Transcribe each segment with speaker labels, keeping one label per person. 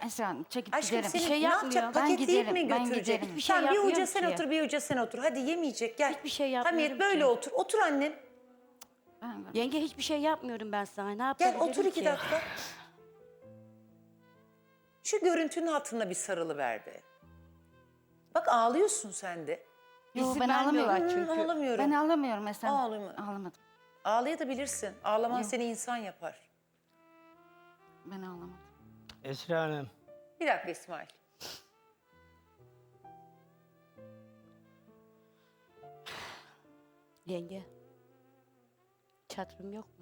Speaker 1: Esra Hanım çekip
Speaker 2: Aşkım
Speaker 1: giderim.
Speaker 2: seni
Speaker 3: Bir şey
Speaker 2: ne
Speaker 3: yapmıyor.
Speaker 2: yapacak?
Speaker 1: Ben
Speaker 2: Paketleyip
Speaker 1: giderim,
Speaker 2: mi
Speaker 1: ben
Speaker 2: götürecek?
Speaker 1: giderim.
Speaker 3: Bir şey
Speaker 2: Sen bir
Speaker 3: yapmıyorum
Speaker 2: uca sen
Speaker 3: ki.
Speaker 2: otur, bir uca sen otur. Hadi yemeyecek, gel.
Speaker 3: Hiçbir şey yapmıyorum
Speaker 2: Hamiyet böyle
Speaker 3: ki.
Speaker 2: otur. Otur annem.
Speaker 3: Yenge hiçbir şey yapmıyorum ben sana. Ne
Speaker 2: Gel
Speaker 3: yapabilirim
Speaker 2: otur 2
Speaker 3: ki?
Speaker 2: dakika. Şu görüntünün hatırına bir sarılı ver be. Bak ağlıyorsun sen de.
Speaker 1: Yo,
Speaker 3: İzin
Speaker 1: ben
Speaker 3: vermiyorlar
Speaker 1: ağlamıyorum.
Speaker 3: çünkü.
Speaker 2: Ağlamıyorum.
Speaker 1: Ben ağlamıyorum Esra Hanım.
Speaker 2: Ağlama.
Speaker 1: Ağlamadım.
Speaker 2: Ağlayabilirsin. Ağlaman seni insan yapar.
Speaker 1: Ben ağlamadım.
Speaker 4: Esra Hanım.
Speaker 2: Bir dakika İsmail.
Speaker 3: Yenge. Çatrım yok mu?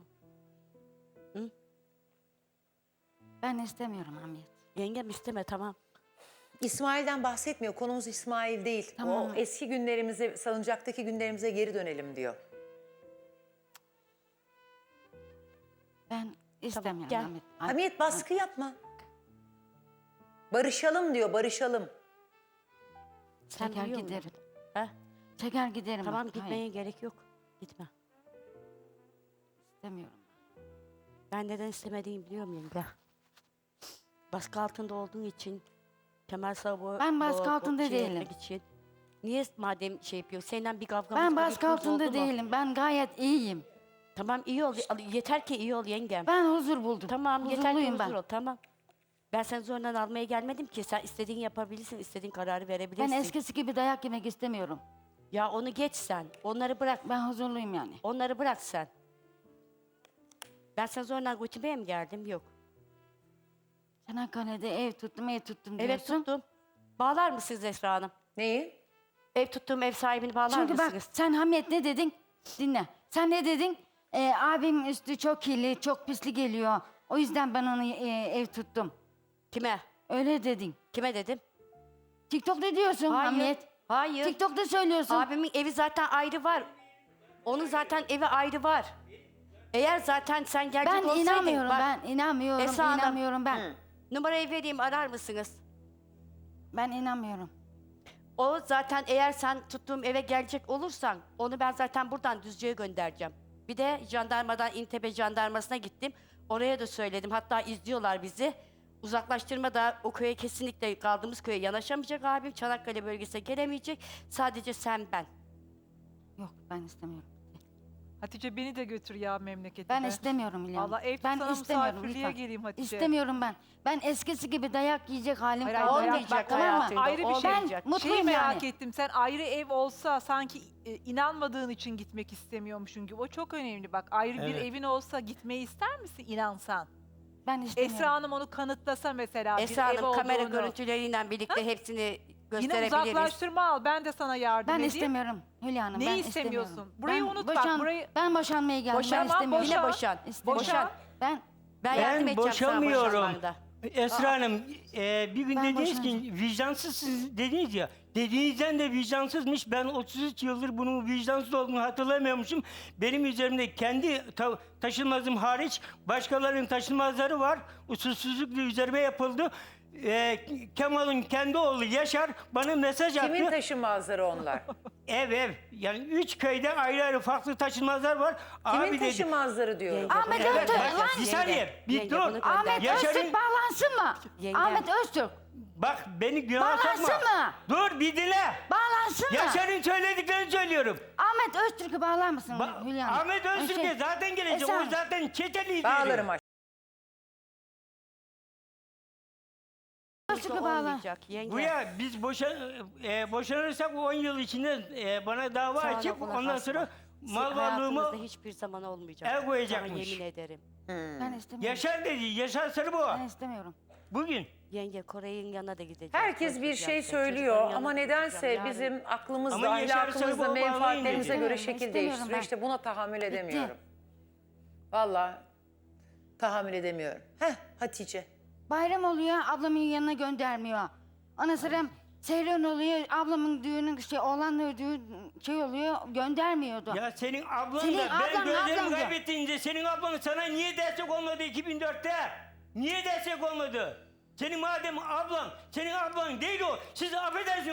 Speaker 1: Ben istemiyorum Hamiyet.
Speaker 3: Yengem isteme tamam.
Speaker 2: İsmail'den bahsetmiyor. Konumuz İsmail değil.
Speaker 1: Tamam.
Speaker 2: O eski günlerimize, salıncaktaki günlerimize geri dönelim diyor.
Speaker 1: Ben istemiyorum
Speaker 3: gel.
Speaker 1: Hamiyet.
Speaker 2: Hamiyet baskı yapma. Barışalım diyor, barışalım.
Speaker 3: Sen
Speaker 1: Çeker
Speaker 3: biliyor musun?
Speaker 1: giderim.
Speaker 3: Ha?
Speaker 1: Çeker giderim.
Speaker 3: Tamam
Speaker 1: bak.
Speaker 3: gitmeye
Speaker 1: Hayır,
Speaker 3: gerek yok. Gitme.
Speaker 1: istemiyorum.
Speaker 3: Ben neden istemediğimi biliyorum yenge. Baskı altında olduğun için Kemal Sabah
Speaker 1: Ben baskı altında değilim.
Speaker 3: Için. Niye madem şey yapıyor? Seninle bir kavgamız
Speaker 1: Ben
Speaker 3: bir
Speaker 1: baskı
Speaker 3: gürültümüz
Speaker 1: altında
Speaker 3: oldu mu?
Speaker 1: değilim. Ben gayet iyiyim.
Speaker 3: Tamam iyi ol. Yeter ki iyi ol yengem.
Speaker 1: Ben huzur buldum.
Speaker 3: Tamam yeter ki
Speaker 1: Huzurluyum
Speaker 3: huzur ol. Tamam. Ben seni zorla almaya gelmedim ki. Sen istediğin yapabilirsin, istediğin kararı verebilirsin.
Speaker 1: Ben eskisi gibi dayak yemek istemiyorum.
Speaker 3: Ya onu geç sen. Onları bırak.
Speaker 1: Ben huzurluyum yani.
Speaker 3: Onları bırak sen. Ben sana zorla götürmeye mi geldim? Yok.
Speaker 1: Çanakkale'de ev tuttum diyorsun.
Speaker 3: Evet tuttum. Bağlar mısınız Esra Hanım?
Speaker 2: Neyi?
Speaker 3: Ev tuttuğum ev sahibini bağlar
Speaker 1: Çünkü bak
Speaker 3: mısınız?
Speaker 1: sen Hamiyet ne dedin? Dinle. Sen ne dedin? Abim üstü çok kirli, çok pisli geliyor. O yüzden ben onu ev tuttum.
Speaker 3: Kime?
Speaker 1: Öyle dedin.
Speaker 3: Kime dedim?
Speaker 1: TikTok'ta diyorsun
Speaker 3: Hayır.
Speaker 1: Hamiyet.
Speaker 3: Hayır.
Speaker 1: TikTok'ta söylüyorsun.
Speaker 3: Abimin evi zaten ayrı var. Onun zaten evi ayrı var. Eğer zaten sen gelecek
Speaker 1: ben
Speaker 3: olsaydın...
Speaker 1: inanmıyorum,
Speaker 3: bak,
Speaker 1: ben inanmıyorum,
Speaker 3: Esra Hanım.
Speaker 1: inanmıyorum ben.
Speaker 3: Numarayı vereyim arar mısınız?
Speaker 1: Ben inanmıyorum.
Speaker 3: O zaten eğer sen tuttuğum eve gelecek olursan onu ben zaten buradan Düzce'ye göndereceğim. Bir de jandarmadan İntepe jandarmasına gittim. Oraya da söyledim. Hatta izliyorlar bizi. Uzaklaştırma da o köye kesinlikle kaldığımız köye yanaşamayacak abim. Çanakkale bölgesine gelemeyecek. Sadece sen ben.
Speaker 1: Yok ben istemiyorum.
Speaker 5: Hatice beni de götür ya memlekete.
Speaker 1: Ben istemiyorum İlhan.
Speaker 5: Vallahi ev
Speaker 1: Ben
Speaker 5: sana
Speaker 1: istemiyorum
Speaker 5: misafirliğe
Speaker 1: lütfen.
Speaker 5: geleyim Hatice.
Speaker 1: İstemiyorum ben. Ben eskisi gibi dayak yiyecek halim
Speaker 5: Hayır,
Speaker 1: kalmadı.
Speaker 5: hayır,
Speaker 3: Olmayacak
Speaker 1: Tamam mı?
Speaker 3: hayatında.
Speaker 5: Ayrı bir şey.
Speaker 3: olmayacak.
Speaker 1: Ben mutluyum
Speaker 5: Şeyi merak
Speaker 1: yani.
Speaker 5: ettim. Sen ayrı ev olsa sanki inanmadığın için gitmek istemiyormuşsun gibi. O çok önemli. Bak ayrı bir
Speaker 4: Evet.
Speaker 5: evin olsa gitmeyi ister misin inansan?
Speaker 1: Ben istemiyorum.
Speaker 5: Esra Hanım onu kanıtlasa mesela
Speaker 3: Esra
Speaker 5: bir ev
Speaker 3: Hanım kamera
Speaker 5: olduğunu.
Speaker 3: görüntüleriyle birlikte hepsini
Speaker 5: Yine
Speaker 3: gösterebiliriz.
Speaker 5: uzaklaştırma al. Ben de sana yardım
Speaker 1: Ben
Speaker 5: edeyim.
Speaker 1: istemiyorum Hülya Hanım.
Speaker 5: Neyi
Speaker 1: ben
Speaker 5: istemiyorsun?
Speaker 1: istemiyorum.
Speaker 5: Burayı
Speaker 1: Ben
Speaker 5: unut bak, burayı-
Speaker 1: Ben boşanmaya geldim.
Speaker 3: Boşan,
Speaker 1: ben istemiyorum.
Speaker 3: yine
Speaker 5: boşan.
Speaker 3: boşan.
Speaker 1: İstemiyorum.
Speaker 3: Boşan.
Speaker 1: Ben
Speaker 3: Ben yardım
Speaker 4: Ben
Speaker 3: edeceğim sana
Speaker 4: boşamıyorum.
Speaker 3: boşanmanda.
Speaker 4: Esra Hanım bir gün
Speaker 1: Ben
Speaker 4: dediniz ki
Speaker 1: boşanacağım.
Speaker 4: vicdansızsınız dediniz ya. Dediğinizden de vicdansızmış. Ben 33 yıldır bunun vicdansız olduğunu hatırlamıyormuşum. Benim üzerimde kendi taşınmazım hariç başkalarının taşınmazları var. Usulsüzlükle üzerime yapıldı. Kemal'in kendi oğlu Yaşar bana mesaj attı.
Speaker 2: Kimin taşınmazları onlar?
Speaker 4: Ev. Yani 3 köyde ayrı ayrı farklı taşınmazlar var.
Speaker 2: Kimin
Speaker 4: Abi dedi.
Speaker 2: taşınmazları diyorum.
Speaker 3: Yenge,
Speaker 1: Ahmet
Speaker 3: bunu
Speaker 1: Öztürk,
Speaker 3: göndereceğiz.
Speaker 4: Bak, bir saniye,
Speaker 3: Yenge,
Speaker 4: bir
Speaker 3: yenge,
Speaker 4: dur.
Speaker 3: bunu göndereceğiz.
Speaker 1: Ahmet
Speaker 4: Yaşar'ın-
Speaker 1: Öztürk bağlansın mı?
Speaker 3: Yenge.
Speaker 1: Ahmet Öztürk
Speaker 4: Bak beni günah
Speaker 1: Bağlansın
Speaker 4: sokma.
Speaker 1: mı?
Speaker 4: Dur bir dinle.
Speaker 1: bağlansın mı?
Speaker 4: Yaşar'ın söylediklerini söylüyorum.
Speaker 1: Ahmet Öztürk'ü bağlar mısın Hülya Hanım?
Speaker 4: Ahmet Öztürk'e zaten gelecek.
Speaker 1: Esra
Speaker 4: O
Speaker 1: Hanım.
Speaker 4: zaten çete lideri.
Speaker 2: Bağlarım aşkım.
Speaker 1: Öztürk'ü bağlar.
Speaker 3: Olmayacak yenge.
Speaker 4: Bu ya biz boşanırsak 10 yıl içinde bana dava
Speaker 3: Sana
Speaker 4: açıp
Speaker 3: buna
Speaker 4: ondan
Speaker 3: basma.
Speaker 4: sonra
Speaker 3: Sizin
Speaker 4: mal
Speaker 3: hayatınızda
Speaker 4: varlığımı
Speaker 3: hiçbir zaman olmayacak.
Speaker 4: el koyacakmış.
Speaker 3: Sana yemin ederim.
Speaker 1: Ben istemiyorum.
Speaker 4: Yaşar dedi. Yaşar Sarıbo.
Speaker 1: Ben istemiyorum.
Speaker 4: Bugün.
Speaker 3: Yenge Kore'nin yanına da gideceğim.
Speaker 2: Herkes bir şey söylüyor ama nedense bizim aklımızda,
Speaker 4: Ama Yaşar
Speaker 2: ahlakımızda,
Speaker 4: Sarıboğlu
Speaker 2: menfaatlerimize
Speaker 4: bağlayın
Speaker 2: göre
Speaker 1: dedi.
Speaker 2: şekil
Speaker 1: İstemiyorum
Speaker 2: değiştiriyor.
Speaker 1: ben.
Speaker 2: İşte buna tahammül edemiyorum. Vallahi tahammül edemiyorum. Hatice.
Speaker 1: Bayram oluyor, ablamın yanına göndermiyor. Ondan sonra seyran oluyor, ablamın düğünü oğlanla düğün oluyor, göndermiyordu.
Speaker 4: Ya senin ablan
Speaker 1: Senin
Speaker 4: da ben
Speaker 1: ablan,
Speaker 4: gözlerimi
Speaker 1: ablan da.
Speaker 4: kaybettiğinde senin ablan sana niye destek olmadı 2004'te? Niye destek olmadı? Senin madem ablan, senin ablan değil o. Siz affedersiniz.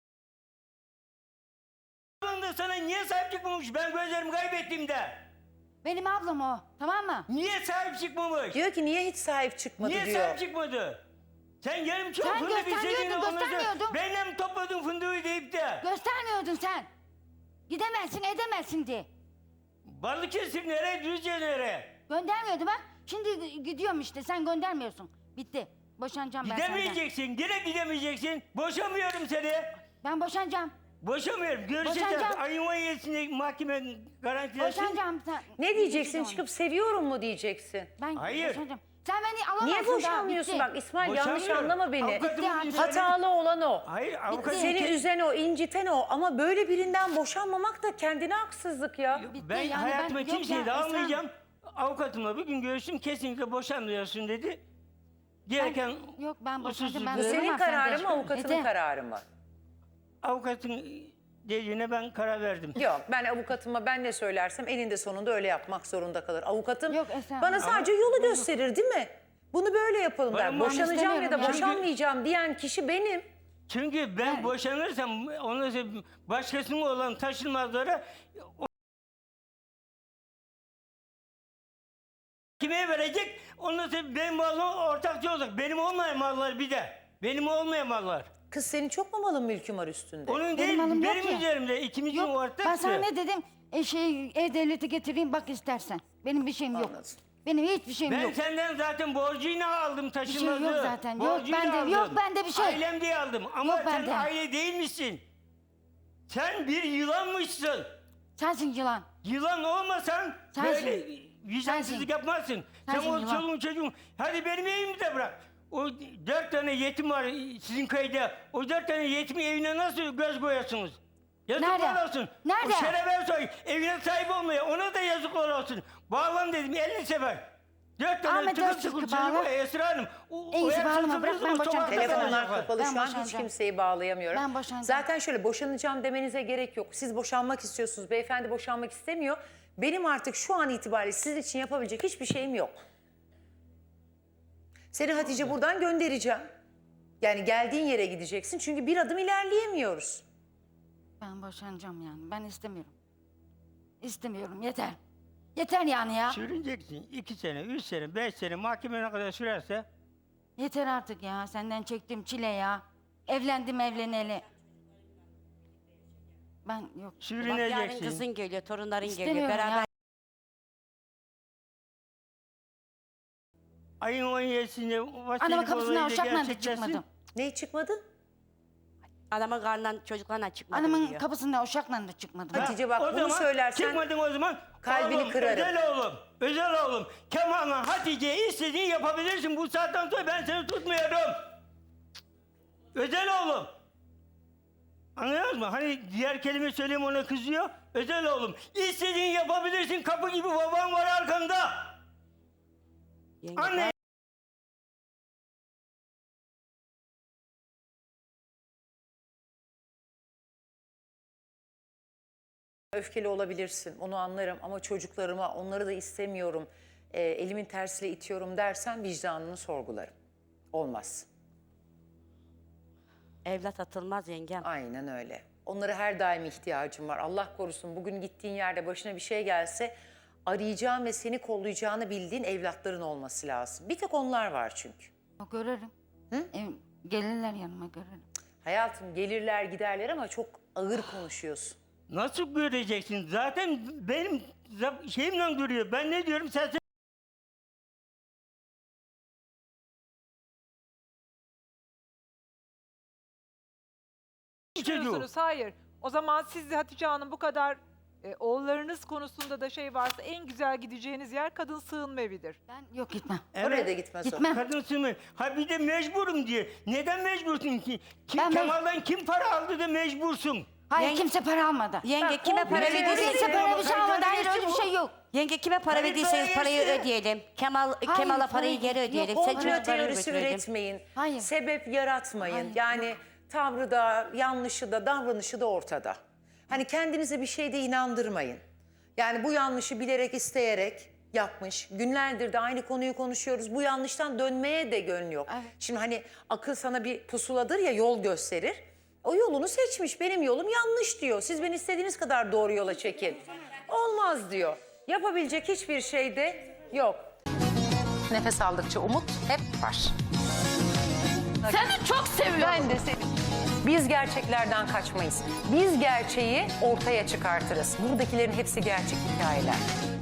Speaker 4: Ablan da sana niye sahip çıkmamış ben gözlerimi kaybettiğimde?
Speaker 1: Benim ablam o. Tamam mı?
Speaker 4: Niye sahip çıkmamış?
Speaker 2: Diyor ki niye hiç sahip çıkmadı
Speaker 4: Niye
Speaker 2: diyor.
Speaker 4: sahip çıkmadı? Sen yarım çok
Speaker 1: Sen
Speaker 4: fındık
Speaker 1: göstermiyordun,
Speaker 4: istediğini ondan sonra
Speaker 1: göstermiyordun.
Speaker 4: benimle mi topladın fındığı deyip de.
Speaker 1: Göstermiyordun sen. Gidemezsin, edemezsin diye.
Speaker 4: Balıkesir nereye, Düzce nereye?
Speaker 1: Göndermiyordu bak. Şimdi gidiyorum işte. Sen göndermiyorsun. Bitti. Boşanacağım ben senden.
Speaker 4: Gidemeyeceksin, yine gidemeyeceksin. Boşamıyorum seni.
Speaker 1: Ben boşanacağım.
Speaker 4: Boşamıyorum. Görüşeceğiz.
Speaker 1: Boşanacağım.
Speaker 4: Ayın 17'sinde mahkeme garantilesin.
Speaker 1: Boşanacağım. Sen...
Speaker 2: Ne diyeceksin?
Speaker 1: Bitti
Speaker 2: Çıkıp seviyorum mu diyeceksin?
Speaker 1: Ben
Speaker 4: Hayır.
Speaker 1: boşanacağım. Sen beni alamazsın
Speaker 2: Niye
Speaker 1: daha,
Speaker 2: boşanmıyorsun?
Speaker 1: bitti.
Speaker 2: Bak İsmail yanlış
Speaker 4: Boşanmıyorum.
Speaker 2: anlama beni.
Speaker 4: Avukatımın
Speaker 1: Bitti
Speaker 4: üzerine-
Speaker 2: Hatalı olan o.
Speaker 4: Hayır, avukatın...
Speaker 2: Seni üzen o, inciten o. Ama böyle birinden boşanmamak da kendine haksızlık ya.
Speaker 1: Bitti.
Speaker 4: Ben
Speaker 1: Yani
Speaker 4: hayatıma
Speaker 1: yok
Speaker 4: kimseyi
Speaker 1: ya,
Speaker 4: de
Speaker 1: Esra.
Speaker 4: almayacağım. Avukatımla bir gün görüştüm. Kesinlikle boşanmıyorsun dedi. Gereken
Speaker 1: Yok ben boşanacağım. Ben
Speaker 2: Bu
Speaker 4: usulsüzlüğü-
Speaker 2: senin
Speaker 1: duramam sende.
Speaker 2: kararın mı, avukatının
Speaker 1: Yeter.
Speaker 2: kararı mı?
Speaker 4: avukatın dediğine ben karar verdim.
Speaker 2: Yok, ben avukatıma ben ne söylersem eninde sonunda öyle yapmak zorunda kalır. Avukatım
Speaker 1: Yok, Esra.
Speaker 2: bana sadece yolu gösterir değil mi? Bunu böyle yapalım der.
Speaker 4: Ben
Speaker 2: Boşanacağım ya da
Speaker 1: istemiyorum ya.
Speaker 2: boşanmayacağım diyen kişi benim.
Speaker 4: Çünkü ben boşanırsam ondan sonra başkasının olan taşınmazları kime verecek? Ondan sonra benim malım ortakçı olacak. Benim olmayan mallar bir de. Benim olmayan mallar.
Speaker 2: Kız senin çok mu malın mülkün var üstünde?
Speaker 4: Onun
Speaker 1: Benim
Speaker 4: değil,
Speaker 1: malım yok
Speaker 4: benim
Speaker 1: ki.
Speaker 4: üzerimde. İkimizin
Speaker 1: Yok
Speaker 4: ortaktı.
Speaker 1: ben sana ne dedim? E-Devlet'i getireyim bak istersen. Benim bir şeyim yok.
Speaker 2: Anladım.
Speaker 1: Benim hiçbir şeyim
Speaker 4: Ben
Speaker 1: yok.
Speaker 4: senden zaten borcuyla aldım taşınmazı.
Speaker 1: yok zaten. Yok
Speaker 4: Borcuyla
Speaker 1: bende,
Speaker 4: aldım.
Speaker 1: yok bende bir şey.
Speaker 4: Ailem diye aldım. Ama
Speaker 1: Yok
Speaker 4: sen
Speaker 1: bende.
Speaker 4: aile değilmişsin. Sen bir yılanmışsın.
Speaker 1: Sensin yılan.
Speaker 4: Yılan olmasan
Speaker 1: Sensin.
Speaker 4: böyle vicdansızlık
Speaker 1: Sensin.
Speaker 4: yapmazsın.
Speaker 1: Sensin
Speaker 4: Sen o
Speaker 1: yılan.
Speaker 4: çoluğun çocuğun. Hadi benim evimi de bırak. O 4 tane yetim var sizin köyde. O 4 tane yetimin evine nasıl göz koyuyorsunuz? Yazıklar
Speaker 1: Nerede?
Speaker 4: olsun.
Speaker 1: Nerede?
Speaker 4: O şerefe soy. Evine sahip olmaya ona da yazıklar olsun. Bağlan dedim 50 sefer. 4 tane
Speaker 1: Ahmet
Speaker 4: tıkır
Speaker 1: Öztürk'ü
Speaker 4: tıkır çocuk
Speaker 1: bağla.
Speaker 4: var Esra Hanım.
Speaker 1: En iyisi
Speaker 4: eğer
Speaker 1: bağlama,
Speaker 4: sızı
Speaker 1: bırak,
Speaker 4: fızı
Speaker 1: ben
Speaker 4: o
Speaker 1: boşanacağım.
Speaker 4: sokakta
Speaker 2: Telefonlar
Speaker 4: kalacaklar.
Speaker 2: kapalı
Speaker 1: Ben
Speaker 2: şu an hiç
Speaker 1: boşanacağım.
Speaker 2: kimseyi bağlayamıyorum.
Speaker 1: Ben boşanacağım.
Speaker 2: Zaten şöyle boşanacağım demenize gerek yok. Siz boşanmak istiyorsunuz. Beyefendi boşanmak istemiyor. Benim artık şu an itibariyle sizin için yapabilecek hiçbir şeyim yok. Seni Hatice buradan göndereceğim. Yani geldiğin yere gideceksin. Çünkü bir adım ilerleyemiyoruz.
Speaker 1: Ben boşanacağım yani. Ben istemiyorum. İstemiyorum yeter. Yeter yani ya.
Speaker 4: Sürüneceksin 2 sene, 3 sene, 5 sene mahkemeye ne kadar sürerse.
Speaker 1: Yeter artık ya. Senden çektiğim çile ya. Evlendim evleneli. Ben yok.
Speaker 3: Bak yarın
Speaker 4: Sürüneceksin.
Speaker 3: kızın geliyor, torunların geliyor.
Speaker 1: İstemiyorum
Speaker 3: Beraber
Speaker 1: ya.
Speaker 4: Ayın 17'sinde vasiyet
Speaker 1: Anamın kapısından
Speaker 4: olayı da
Speaker 1: uşakla da
Speaker 4: gerçekleşsin.
Speaker 1: çıkmadım.
Speaker 2: Ne çıkmadı?
Speaker 3: anamın karnından çocuklarla çıkmadım
Speaker 1: Anamın
Speaker 3: diyor.
Speaker 1: kapısından uşakla da çıkmadım.
Speaker 2: Hadi. Hatice bak,
Speaker 4: O
Speaker 2: bunu
Speaker 4: zaman
Speaker 2: söylersen
Speaker 4: çıkmadın o zaman.
Speaker 2: kalbini
Speaker 4: oğlum,
Speaker 2: kırarım.
Speaker 4: Özel oğlum. Kemal'la Hatice'ye istediğini yapabilirsin. Bu saatten sonra ben seni tutmuyorum. Özel oğlum. Anlıyor musun? Hani diğer kelime söyleyeyim ona kızıyor. Özel oğlum. İstediğini yapabilirsin. Kapı gibi baban var arkanda.
Speaker 3: Yenge,
Speaker 4: Anne.
Speaker 2: öfkeli olabilirsin. Onu anlarım ama çocuklarıma onları da istemiyorum. Elimin tersiyle itiyorum dersen vicdanını sorgularım. Olmaz.
Speaker 3: evlat atılmaz yengem.
Speaker 2: Aynen öyle. Onlara her daim ihtiyacım var. Allah korusun bugün gittiğin yerde başına bir şey gelse arayacağın ve seni kollayacağını bildiğin evlatların olması lazım. Bir tek onlar var çünkü.
Speaker 1: O görürüm. Gelirler yanıma görürüm.
Speaker 2: Hayatım gelirler giderler ama çok ağır konuşuyorsun.
Speaker 4: Nasıl göreceksin? Zaten benim şeyimle duruyor. Ben ne diyorum sen çocuğu.
Speaker 5: Düşünüyorsunuz, hayır. O zaman siz de Hatice Hanım bu kadar oğullarınız konusunda da şey varsa en güzel gideceğiniz yer kadın sığınma evidir.
Speaker 1: Ben yok gitmem.
Speaker 2: Oraya da gitmez o.
Speaker 1: Gitmem.
Speaker 4: Kadınsın mı? Ha bir de mecburum diye. Neden mecbursun ki?
Speaker 1: Ben
Speaker 4: Kemal'dan kim para aldı da mecbursun?
Speaker 1: Hayır
Speaker 3: Yenge-
Speaker 1: kimse para almadı.
Speaker 3: Yenge kime para
Speaker 2: komple
Speaker 3: verdiyseniz
Speaker 1: Kimse para bir şey
Speaker 4: Hayır,
Speaker 1: almadı. Hayır
Speaker 4: hayır,
Speaker 1: öyle bir şey yok.
Speaker 3: Yenge kime para
Speaker 4: Hayır,
Speaker 3: verdiyseniz parayı
Speaker 4: hayır.
Speaker 3: ödeyelim. Kemal'a
Speaker 1: Hayır,
Speaker 3: parayı geri
Speaker 1: yok,
Speaker 3: ödeyelim.
Speaker 1: yok,
Speaker 3: Sen
Speaker 2: Komplo
Speaker 3: çocuklarını
Speaker 2: teorisi
Speaker 3: götürelim.
Speaker 2: üretmeyin.
Speaker 1: Hayır.
Speaker 2: Sebep yaratmayın.
Speaker 1: Hayır,
Speaker 2: yani tavrı da, yanlışı da, davranışı da ortada. Hani kendinize bir şeyde inandırmayın. Yani bu yanlışı bilerek, isteyerek yapmış. Günlerdir de aynı konuyu konuşuyoruz. Bu yanlıştan dönmeye de gönlü yok.
Speaker 1: Evet.
Speaker 2: Şimdi hani akıl sana bir pusuladır ya, yol gösterir. O yolunu seçmiş. Benim yolum yanlış diyor. Siz beni istediğiniz kadar doğru yola çekin. Olmaz diyor. Yapabilecek hiçbir şey de yok. Nefes aldıkça umut hep var.
Speaker 3: Seni çok seviyorum.
Speaker 2: Ben de seni. Biz gerçeklerden kaçmayız. Biz gerçeği ortaya çıkartırız. Buradakilerin hepsi gerçek hikayeler.